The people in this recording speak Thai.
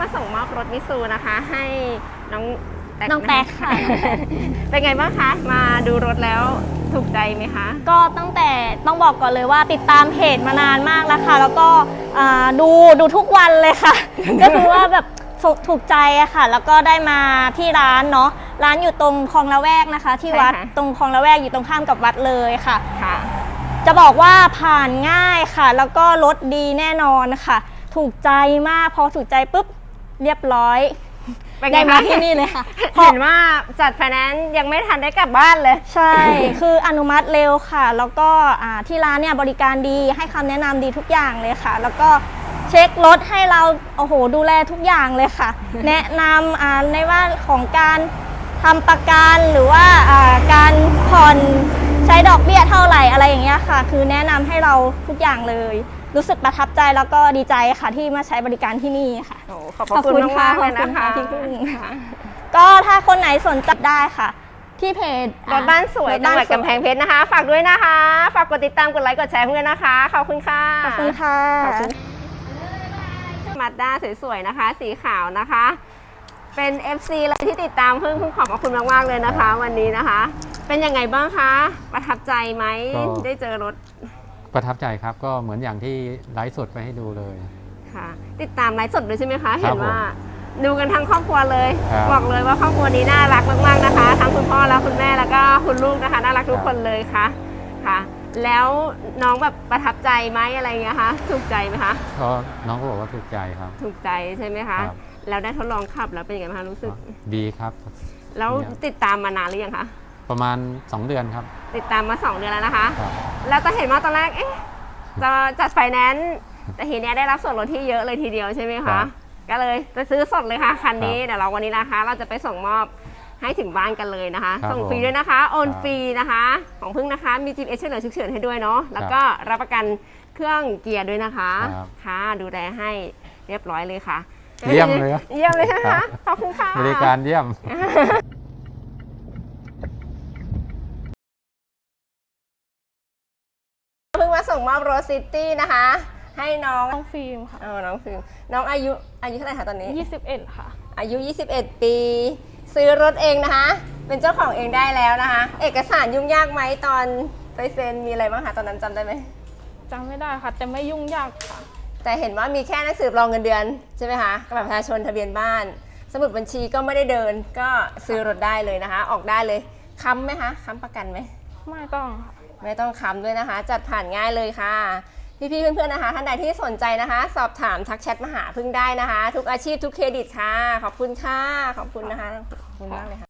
ส่งมอบรถมิซูนะคะให้น้องแป๊กค่ะเป็นไงบ้างคะมาดูรถแล้วถูกใจไหมคะก็ตั้งแต่ต้องบอกก่อนเลยว่าติดตามเพจมานานมากแล้วค่ะแล้วก็ดูทุกวันเลยค่ะ ก็คือว่าแบบถูกใจอะค่ะแล้วก็ได้มาที่ร้านเนาะร้านอยู่ตรงคลองละแวกนะคะที่วัดตรงคลองละแวกอยู่ตรงข้ามกับวัดเลยค่ะจะบอกว่าผ่านง่ายค่ะแล้วก็รถดีแน่นอนค่ะถูกใจมากพอถูกใจปุ๊บเรียบร้อยได้มาที่นี่เลยค่ะเห็นว่าจัดไฟแนนซ์ยังไม่ทันได้กลับบ้านเลยใช่คืออนุมัติเร็วค่ะแล้วก็ที่ร้านเนี่ยบริการดีให้คำแนะนำดีทุกอย่างเลยค่ะแล้วก็เช็ครถให้เราโอ้โหดูแลทุกอย่างเลยค่ะ แนะนำในว่าของการทำประกันหรือว่าการผ่อนใช้ดอกเบี้ยเท่าไหร่อะไรอย่างเงี้ยค่ะคือแนะนำให้เราทุกอย่างเลยรู้สึกประทับใจแล้วก็ดีใจค่ะที่มาใช้บริการที่นี่ค่ะขอบคุณมากเลยนะคะพี่กุ้งก็ถ้าคนไหนสนใจได้ค่ะที่เพจรถบ้านสวยจังหวัดกำแพงเพชรนะคะฝากด้วยนะคะฝากกดติดตามกดไลค์กดแชร์เพื่อนนะคะขอบคุณค่ะขอบคุณค่ะมาด้าสวยๆนะคะสีขาวนะคะเป็น FC เลยที่ติดตามเพิ่งขอบคุณมากๆเลยนะคะวันนี้นะคะเป็นยังไงบ้างคะประทับใจไหมได้เจอรถประทับใจครับก็เหมือนอย่างที่ไลฟ์สดไปให้ดูเลยค่ะติดตามไลฟ์สดด้วยใช่ไหมคะเห็นว่าดูกันทั้งครอบครัวเลยบอกเลยว่าครอบครัวนี้น่ารักมากๆนะคะทั้งคุณพ่อและคุณแม่แล้วก็คุณลูกนะคะน่ารักทุกคนเลยค่ะแล้วน้องแบบประทับใจไหมอะไรเงี้ยคะถูกใจไหมคะก็น้องก็บอกว่าถูกใจครับถูกใจใช่ไหมคะแล้วได้ทดลองขับแล้วเป็นยังไงคะรู้สึกดีครับแล้วติดตามมานานหรือยังคะประมาณ2 เดือนครับติดตามมา2 เดือนแล้วนะคะแล้วก็เห็นว่าตอนแรกจะจัดไฟแนนซ์แต่ทีนี้ได้รับส่วนลดที่เยอะเลยทีเดียวใช่ไหมคะก็เลยจะซื้อสดเลยค่ะคันนี้เดี๋ยวเราวันนี้นะคะเราจะไปส่งมอบให้ถึงบ้านกันเลยนะคะส่งฟรีด้วยนะคะโอนฟรีนะคะของพึ่งนะคะมี GPS ช่วยเหลือฉุกเฉินให้ด้วยเนาะแล้วก็รับประกันเครื่องเกียร์ด้วยนะคะค่ะดูแลให้เรียบร้อยเลยค่ะเยี่ยมเลยเยี่ยมเลยใช่ไหมคะขอบคุณค่ะบริการเยี่ยมเพิ่งมาส่งมอบรถซิตี้นะคะให้น้องฟิล์มค่ะน้องฟิล์มน้องอายุเท่าไหร่คะตอนนี้ 21ค่ะอายุ21 ปีซื้อรถเองนะคะเป็นเจ้าของเองได้แล้วนะคะเอกสารยุ่งยากไหมตอนไปเซ็นมีอะไรบ้างคะตอนนั้นจำได้ไหมจำไม่ได้ค่ะแต่ไม่ยุ่งยากค่ะแต่เห็นว่ามีแค่หนังสือรองเงินเดือนใช่ไหมคะกับบัตรประชาชนทะเบียนบ้านสมุดบัญชีก็ไม่ได้เดินก็ซื้อรถได้เลยนะคะออกได้เลยค้ำไหมคะค้ำประกันไหมไม่ต้องไม่ต้องค้ำด้วยนะคะจัดผ่านง่ายเลยค่ะพี่ๆเพื่อนๆนะคะท่านใดที่สนใจนะคะสอบถามทักแชทมาหาพึ่งได้นะคะทุกอาชีพทุกเครดิตค่ะขอบคุณค่ะขอบคุณนะคะขอบคุณมากเลยค่ะ